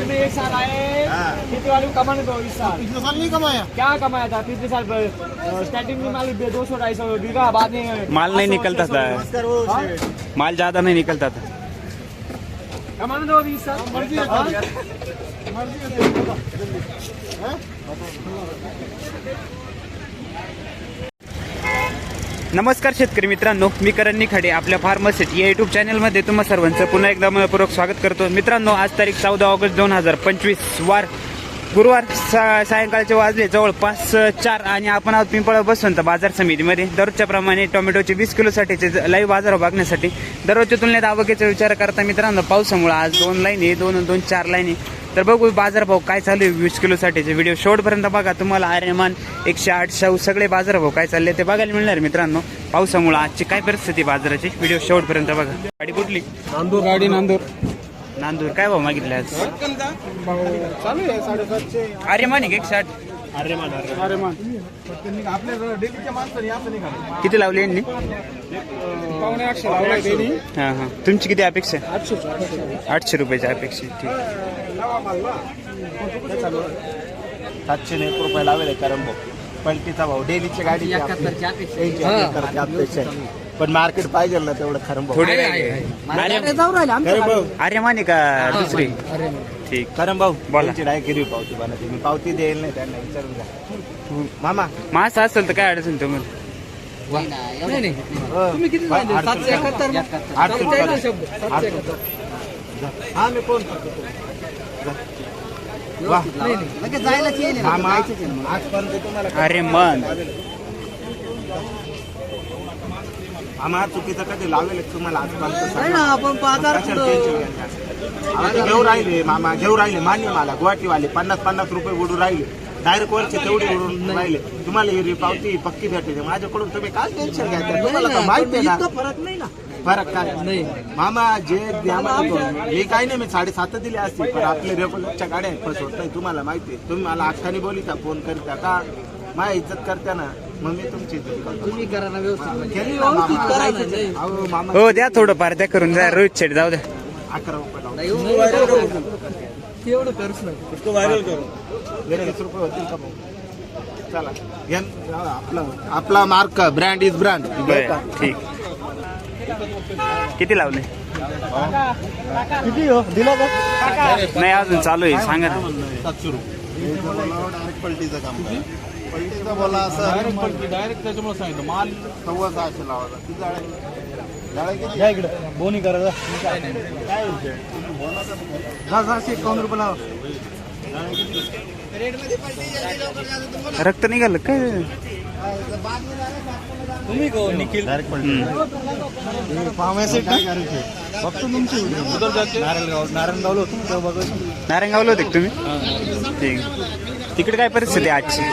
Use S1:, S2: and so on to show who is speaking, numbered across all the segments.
S1: साल में एक साल आए, पिछले वाले को कमाने दो इस साल।
S2: पिछले साल नहीं कमाया,
S1: क्या कमाया था पिछले साल? स्टार्टिंग में माल 200-250 बीघा, बाद में
S3: माल नहीं निकलता था, माल ज्यादा नहीं निकलता था।
S1: कमाने दो अभी इस साल।
S2: मर्जी है, मर्जी है।
S3: नमस्कार शेतकरी मित्रांनो, मी करण निखाडे आपल्या फार्मसिटी या युट्यूब चॅनलमध्ये तुम्हा सर्वांचं पुन्हा एकदा मनपूर्वक स्वागत करतो। मित्रांनो, आज तारीख 14 ऑगस्ट 2025 वार गुरुवार सायंकाळचे वाजले जवळपास 4 आणि आपण आहोत पिंपळा बसवंत बाजार समितीमध्ये। दररोजच्या प्रमाणे टोमॅटोचे 20 किलोसाठीचे लाईव्ह बाजार बघण्यासाठी दररोजच्या तुलनेत आवकेचा विचार करता मित्रांनो, पावसामुळे आज 2 लाईन आहे, 2 4 लाईन आहे। तर बघू बाजारभाव काय चालू आहे 20 किलोसाठीचे। व्हिडिओ शेवटपर्यंत बघा, तुम्हाला आर्यमान 108 शाहू सगळे बाजारभाव काय चालले ते बघायला मिळणार मित्रांनो। पावसामुळे आजची काय परिस्थिती बाजाराची, व्हिडिओ शेवटपर्यंत बघा। गाडी कुठली?
S2: नांदूर गाडी,
S3: नांदूर काय भाव मागितले आज?
S2: चालू आहे 750.
S3: आर्यमान 160.
S2: आर्यमान आपल्या डेलीच्या माणसाने असं नाही घालत.
S3: किती लावले यांनी?
S2: 850 लावला डेली.
S3: हां हां, तुमची किती अपेक्षा आहे? 800 रुपयाची अपेक्षा आहे, ठीक।
S4: 701 रुपये लावेल कारण भाऊ पलटीचा भाऊ डेलीच्या गाडी पण मार्केट पाहिजे ना तेवढं खरं भाऊ.
S3: थोडे आर्यमान आहे का दुसरी? ठीक,
S4: खरं भाऊ
S3: बोला.
S4: डायरेक्ट गिरवी पावती बनवते मी, पावती देईल नाही त्यांना विचारून जा. मामा
S3: मास असेल तर काय अडचण तुम्हाला?
S4: हा मी फोन मामा आजपर्यंत तुम्हाला
S3: आर्यमान
S4: आम्हा चुकीचं कधी लावेल तुम्हाला आजपर्यंत घेऊ राहिले मामा, घेऊ राहिले मान्य मला गुवाहाटीवाले 50-50 रुपये उडून राहिले, डायरेक्ट वरचे तेवढे उडून राहिले। तुम्हाला ही पावती पक्की भेटते माझ्याकडून, तुम्ही काय टेन्शन घ्यायचं? तुम्हाला तर माहिती आहे ना फरक काय मामा। जे मी काही नाही, मी 7.5 दिले असते, पण आपले रेग्युलरच्या गाड्या फसवत नाही, तुम्हाला माहिती आहे। तुम्ही मला अख्खानी बोलिता फोन करता का, माझ्या इज्जत करता ना, मग मी तुमची इज्जत करतो। तुम्ही करा ना व्यवस्थित मामा।
S3: हो द्या थोडं फार द्या करून द्या, रोहित शेठ जाऊ द्या।
S4: 11 रुपये
S2: एवढं करूच ना,
S4: व्हायरल करू 20 रुपये होतील का भाऊ? चला आपला मार्क ब्रँड इज ब्रँड।
S3: ठीक, किती लावले?
S2: किती हो दिला का?
S3: नाही अजून चालू आहे, सांगा ना।
S4: 700 रुपये डायरेक्ट पलटीचं काम करा, पलटीचं बोला असं डायरेक्ट त्याच्यामुळे सांगितलं माल 650 लावायचा। किती जाळे किती
S2: या इकडे बोनी करा जा.
S4: काय 51 रुपये लावा।
S3: रक्त निघालं काय?
S2: तुम्ही को निखिल फार्मसी काय करायचे फक्त तुमची नारायणगावला होतो तेव्हा बघायचं.
S3: नारायणगावला होते का तुम्ही? ठीक, तिकडे काय परिस्थिती आहे आजची?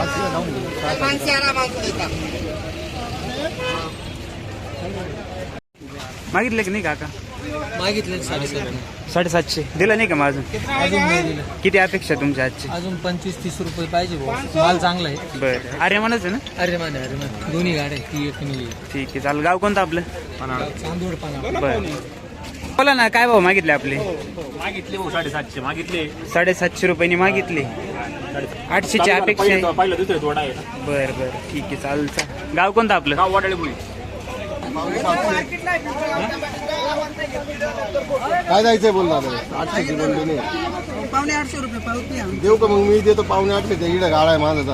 S3: मागितले की नाही काका?
S5: मागितले
S3: 750 दिला नाही का माझं?
S5: अजून नाही दिलं.
S3: किती अपेक्षा तुमच्या आजची?
S5: अजून 25-30 रुपये पाहिजे भाऊ, माल चांगला आहे.
S3: बरं, आर्यमानच आहे ना?
S5: अरे मान दोन्ही गाड्या ती एक नेली.
S3: ठीक आहे, चालेल। गाव कोणतं आपलं?
S5: चांदोड पाना.
S3: बरं, बोला ना काय भाव मागितले आपले?
S4: मागितले 750 मागितले,
S3: 750 रुपयांनी मागितले, 800ची अपेक्षा आहे।
S4: पहिलं दुसरं थोडा आहे
S3: बरं बरं, ठीक आहे, चालेल। गाव कोणतं आपलं?
S4: गाव वाटाळे बोली।
S2: काय जायचंय बोल दादा? 800 बोलले नाही,
S5: 850 रुपये पावती आहे.
S2: देऊ का? मग मी देतो 850 ते इकडे गाळा आहे माझा.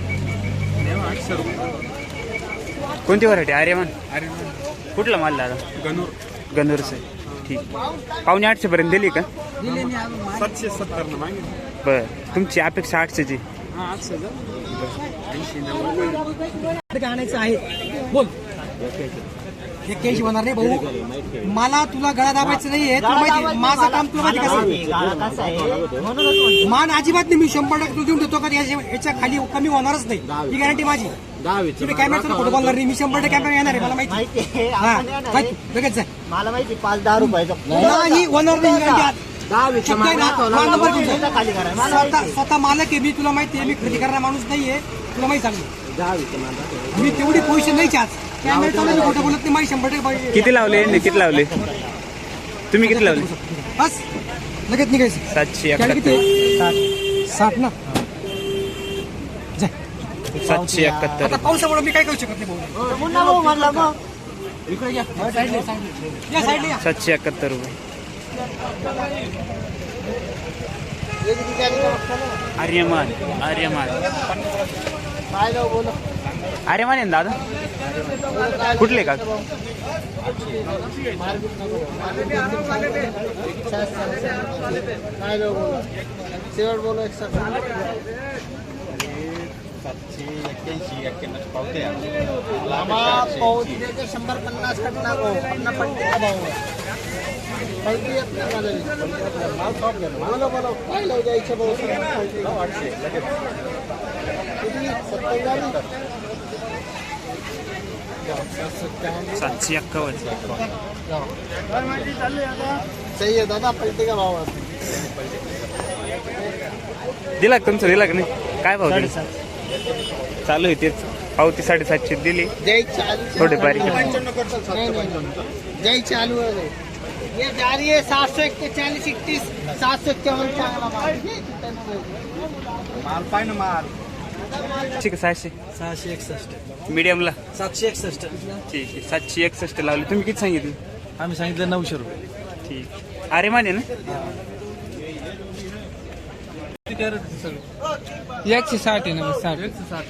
S3: कोणती व्हरायटी? आर्यमान? कुठला माल दादा? गणूरचं आहे, ठीक। 750 पर्यंत दिली का?
S5: दिले नाही अजून माल.
S4: 770 न मागितले।
S3: बरं, तुमची अपेक्षा 800ची?
S5: आणायचं आहे बोल. 81 होणार नाही भाऊ, मला तुला गळा दाबायचं नाहीये, तुला माहिती माझं काम तुला माहिती कसं मान अजिबात नाही. मी 100% तू देऊन देतो का याच्या खाली कमी होणारच नाही, ही गॅरंटी माझी. तुम्ही कॅमेरा खोटं बोलणार नाही, मी 100% कॅमेरा येणार आहे, मला माहिती. लगेच जाय,
S4: मला माहिती 5-10 रुपयाचा
S5: नाही होणार नाही गॅरंटी. स्वतः मालक आहे मी, तुला माहिती आहे, मी खरेदी करणारा माणूस नाहीये, तुला माहिती सांगतो. मी तेवढी पोझिशन नाही आज कॅमेरा चालू, मी खोटं बोलत नाही, माझी 100% पाहिजे.
S3: किती लावले? किती लावले तुम्ही? किती लावले?
S5: बस लगेच निघायचं
S3: 771
S5: किती 60 ना जाय.
S3: 771
S5: आता पावसामुळे मी काय करू शकत नाही भाऊ. इकडे या साईडला या साईडला या.
S3: 771 रुपये. आर्यमान आर्यमान आर्यमान आहे ना दादा कुठले का सातशे 51
S4: दादा पलटे का भाव
S3: दिला का तुमचं दिला का नाही काय भाव दिला? चालू आहे तेच पावती 750 दिली थोडे बारीक
S4: जय चालू है ये जा रही है 741 31 751 माल पाय ना माल
S3: ठीक आहे 600
S5: 661
S3: मीडियमला
S5: 761
S3: ठीक आहे 761 लावले तुम्ही किती सांगितले?
S5: आम्ही सांगितलं 900 रुपये.
S3: ठीक अरे माने ना
S5: 160 आहे ना 60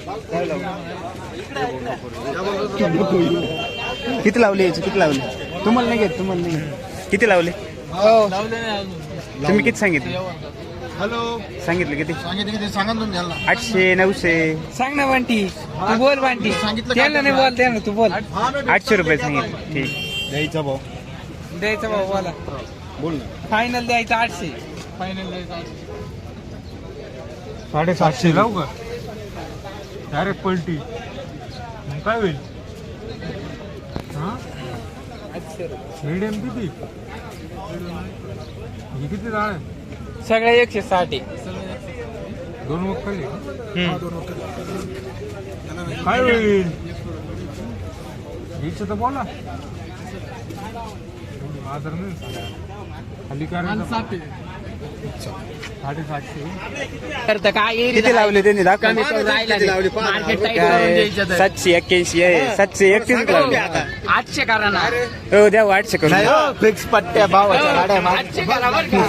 S3: किती लावले याचे किती लावले तुम्हाला नाही घेत तुम्हाला नाही घेत. किती लावले तुम्ही किती सांगितले?
S4: हॅलो
S3: सांगितले किती?
S4: सांगितलं सांगा तुम्ही याला
S3: 800 900
S5: सांग ना वांटी तू बोल वांटी
S4: सांगितलं
S5: त्याला नाही बोल त्याला तू बोल
S3: 800 रुपये सांगितले. ठीक
S4: द्यायचा भाऊ
S5: द्यायचा भाऊ बोला
S4: बोल ना
S5: फायनल द्यायचं 800 फायनल द्यायचं
S2: 750 लावू का डायरेक्ट पलटी मग काय होईल मीडियम किती ही किती जाळ आहे
S5: सगळ्या 160 आहे.
S2: 2 मग खाली काय होईल हीच तर बोला आदर नाही खाली काय 750
S5: करतं काय
S3: किती लावले त्यांनी दाखवा
S5: मार्केट
S3: काय 781 आहे 731 लावले
S5: 800 करा ना
S3: हो द्या 800 करून
S4: फिक्स पट्ट्या भावाच्या गाड्या
S5: 800 करा बरं का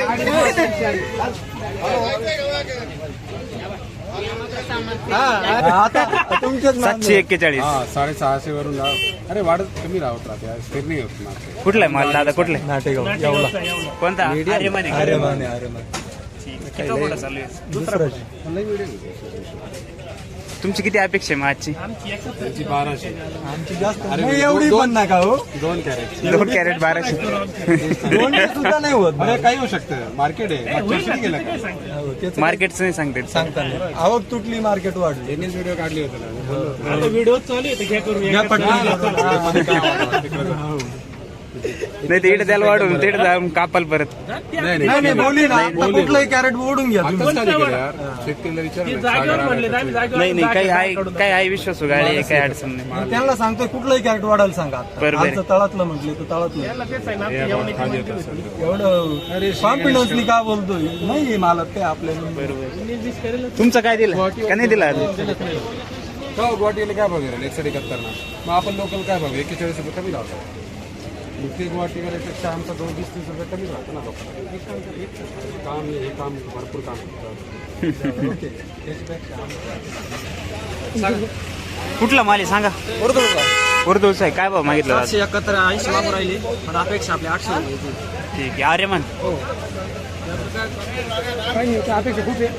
S4: तुमच्याच
S3: 741
S2: हा 650 वरून लाव अरे वाढत कमी राहत राहते स्थिर नाही होत मार्केट
S3: कुठला आहे माल दादा कुठला आहे?
S2: नाटेगाव एवढा
S3: कोणता आर्यमान आहे का?
S2: आर्यमान
S3: किती मोठा चालू आहे तुमची किती अपेक्षा आहे मग आजची?
S2: 1200
S5: आमची जास्त नाही एवढी पण नका हो
S2: 2 कॅरेट
S3: 2 कॅरेट 1200
S5: सुद्धा नाही होत
S2: अरे काही होऊ शकतं मार्केट आहे मागच्या वर्षी गेलं का
S3: मार्केटचं नाही सांगते
S5: सांगता आवक तुटली मार्केट वाढली
S2: त्यांनीच व्हिडिओ काढली होती ना
S1: व्हिडिओ चालू आहे घ्या करून
S3: नाही ते इकडे त्याला वाढवून तिकडे जाऊन कापाल परत
S5: नाही बोली ना कुठलंही कॅरेट ओढून घ्या
S2: शेतकरीला
S3: नाही नाही काही आहे विश्वास गाडी काही अडचण नाही
S5: त्यांना सांगतोय कुठलंही कॅरेट वाढायला सांगा
S3: बरोबर आहे.
S5: तळातलं म्हटले तर तळातलं एवढं कॉन्फिडन्सली का बोलतोय नाही मला ते आपल्याला
S3: बरोबर तुमचं काय दिलं का नाही दिला
S2: गुवाहाटीला काय भाव गेला 171 ना मग आपण लोकल काय भाव 41 रुपये कमी लावतो दुसरी गुवाहाटीपेक्षा आमचा 2-30 रुपये कमी राहतो ना लोकांना हे काम भरपूर काम
S3: कुठला माल आहे सांगा उर्दूचा आहे काय भाव मागितला
S5: 771 मागून राहिली पण अपेक्षा आपल्या 800
S3: ठीक आहे आर्यमान
S5: अपेक्षा खूप आहे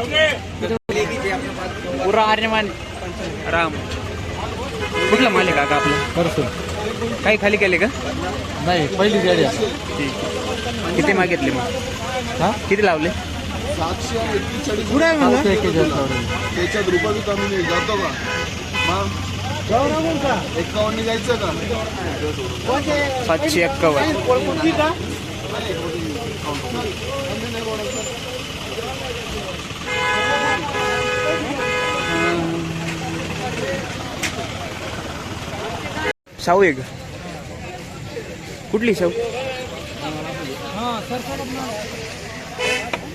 S3: पुरा आर्यमान राम कुठला माल आहे काका आपला काही खाली केले का
S5: नाही पहिली गाडी
S3: ठीक किती मागितले मग किती लावले
S4: त्याच्यात रुपये कमी नाही जातो का मग 51 जायचं का
S3: 751 शाहू आहे का कुठली शाहू
S5: हा सर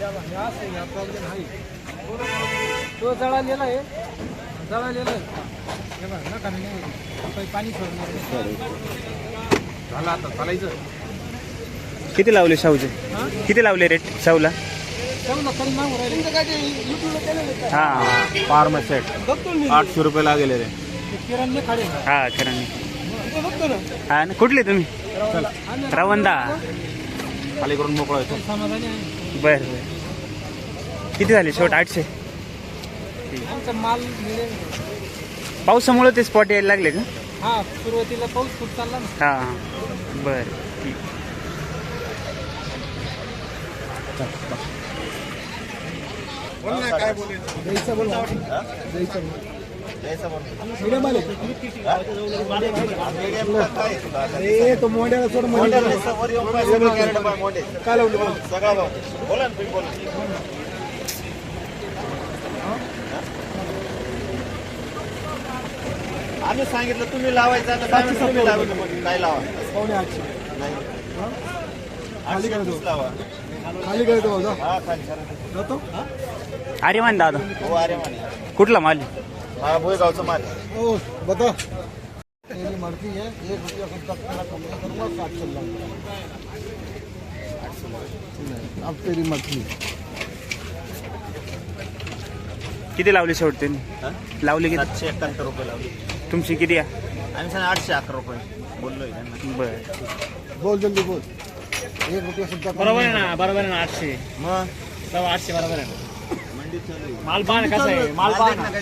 S5: तो जळालेला आहे जळालेला आहे पाणी सोडणार
S2: झालं आता चालायचं.
S3: किती लावले शाहूचे? किती लावले रेट शाहूला? हा
S4: फार्म सेट 800 रुपये लागेल रे.
S5: किराणा खाडे
S3: हा किराणी.
S5: बघतो ना
S3: हा ना, कुठले तुम्ही? रवंदा.
S4: खाली करून मोकळा येतो.
S5: समाधानी आहे
S3: बर बर. किती झाले शेवट? 800.
S5: आमचा माल मिळेल.
S3: पावसामुळे ते स्पॉट यायला लागले का?
S5: हा सुरुवातीला पाऊस खूप चालला ना.
S3: हा बर ठीक.
S5: तो मोंड्याला सोड काय लावलं
S4: बोला ना, बोला. आम्ही सांगितलं तुम्ही लावायचं आता काय म्हणता तुम्ही लावायचं मग काय लावा नाही खाली लावा
S5: खाली करतो
S4: हा खाली करा.
S3: अरे मान दादा,
S4: हो अरे म्हणे
S3: कुठला माल?
S4: हा भोयगावचा माल.
S5: ओ बता तेरी मर्जी है 1 रुपया खुद तक का कम करूंगा 7 चल रहा अब तेरी मर्जी.
S3: किती लावले शेवट त्यांनी? लावले किती?
S4: 771 रुपये लावले.
S3: तुमची किती आहे?
S4: आम्ही सांगा 811 रुपये बोललोय त्यांना.
S3: बर.
S5: बोल जल्दी बोल 1 रुपया सुद्धा
S1: बरोबर आहे ना, बरोबर आहे ना. 800
S4: मग
S1: सव्वा 800 बरोबर आहे ना.
S4: मंडीत चालू आहे.
S1: माल पाहा ना कसा आहे, माल पाहा ना.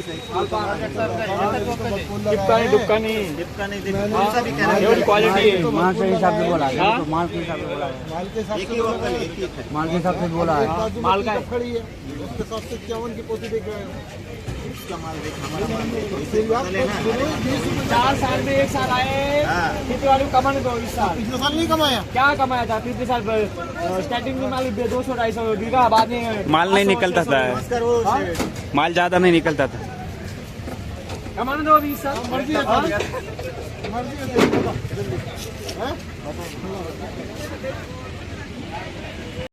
S1: टिपकानी डुपकानी
S4: डिपका नहीं दे कौन सा भी कह रहा है.
S1: एवढी क्वालिटी आहे.
S5: माल के हिसाब से बोला
S1: हा?
S5: माल के हिसाब से बोला माल के हिसाब
S4: एक ही वक्त है, एक ही है.
S5: माल के हिसाब से बोला है.
S1: माल काय?
S5: खड़ी है उसके 751 की पोती देख रहे हैं.
S4: उसका माल देख हमारा माल देख इससे बदले ना.
S1: 4 साल में 1 साल आए.
S4: हाँ.
S1: कितने वाले कमाने दो 20 साल
S5: पिछले साल नहीं कमाया.
S1: क्या कमाया था पिछले साल? स्टार्टिंग में माल 200-250 बीघा, बाद में
S3: माल नहीं निकलता था,
S4: नमस्कार वो शेठ.
S3: माल ज्यादा नहीं निकलता था.
S1: कमाने दो 20 साल.
S5: मर्जी है
S1: हाँ?
S5: मर्जी है.